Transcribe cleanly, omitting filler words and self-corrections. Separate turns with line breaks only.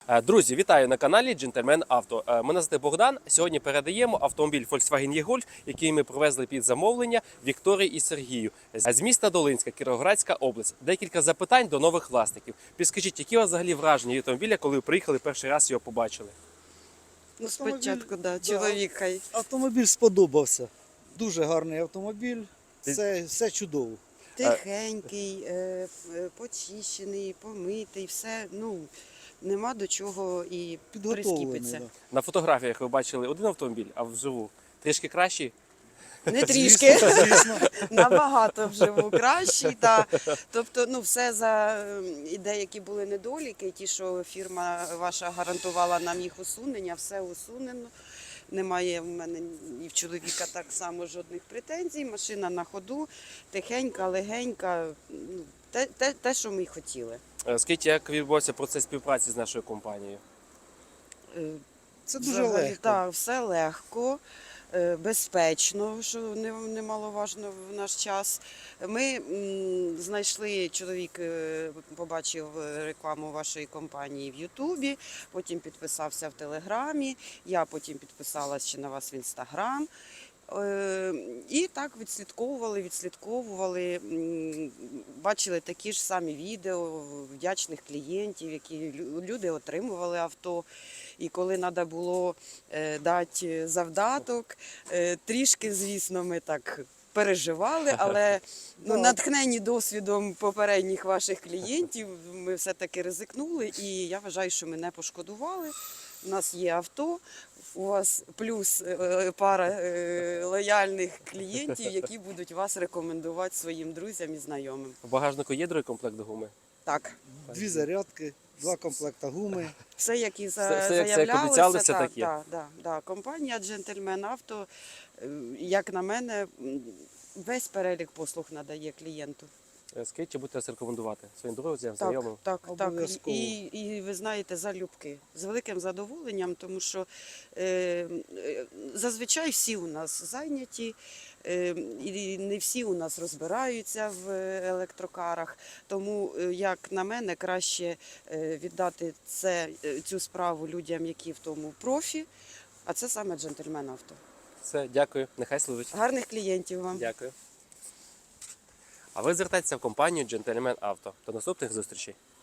Друзі, вітаю на каналі Джентльмен Авто. Мене звати Богдан. Сьогодні передаємо автомобіль Volkswagen E-Golf, який ми привезли під замовлення Вікторії і Сергію з міста Долинська, Кіровоградська область. Декілька запитань до нових власників. Підскажіть, які у вас взагалі враження від автомобіля, коли ви приїхали перший раз його побачили?
Ну, спочатку, чоловіка.
Автомобіль сподобався. Дуже гарний автомобіль, все чудово.
Тихенький, почищений, помитий, все, нема до чого і
Підготовлений.
прискіпиться.
Да.
На фотографіях ви бачили один автомобіль, а вживу трішки кращий?
Не трішки,
Звісно.
набагато вживу кращий. Тобто, все за деякі були недоліки, ті, що фірма ваша гарантувала нам їх усунення, все усунено. Немає в мене і в чоловіка так само жодних претензій. Машина на ходу, тихенька, легенька, те, що ми й хотіли.
Скажіть, як відбувався процес співпраці з нашою компанією?
Це дуже
Взагалі,
легко.
Так, все легко, безпечно, що немаловажно в наш час. Ми знайшли, чоловік побачив рекламу вашої компанії в Ютубі, потім підписався в Телеграмі, я потім підписалася ще на вас в Інстаграм. І так відслідковували, бачили такі ж самі відео вдячних клієнтів, які люди отримували авто. І коли треба було дати завдаток, трішки, звісно, ми так переживали, але натхнені досвідом попередніх ваших клієнтів, ми все-таки ризикнули, і я вважаю, що ми не пошкодували. У нас є авто, у вас плюс пара лояльних клієнтів, які будуть вас рекомендувати своїм друзям і знайомим.
В багажнику є другий комплект гуми?
Так.
2 зарядки, 2 комплекта гуми.
Все, як і
Все, як
заявлялося,
обіцяли, все
так,
так є.
Да. Компанія Джентльмен Авто, як на мене, весь перелік послуг надає клієнту.
Скажіть, чи будете нас рекомендувати своїм друзям,
Так,
знайомим?
так.
Обов'язково.
І ви знаєте, залюбки, з великим задоволенням, тому що зазвичай всі у нас зайняті, і не всі у нас розбираються в електрокарах. Тому, як на мене, краще віддати цю справу людям, які в тому профі, а це саме Джентльмен Авто.
Все, дякую. Нехай служить.
Гарних клієнтів вам.
Дякую. А ви звертайтеся в компанію Джентльмен Авто. До наступних зустрічей.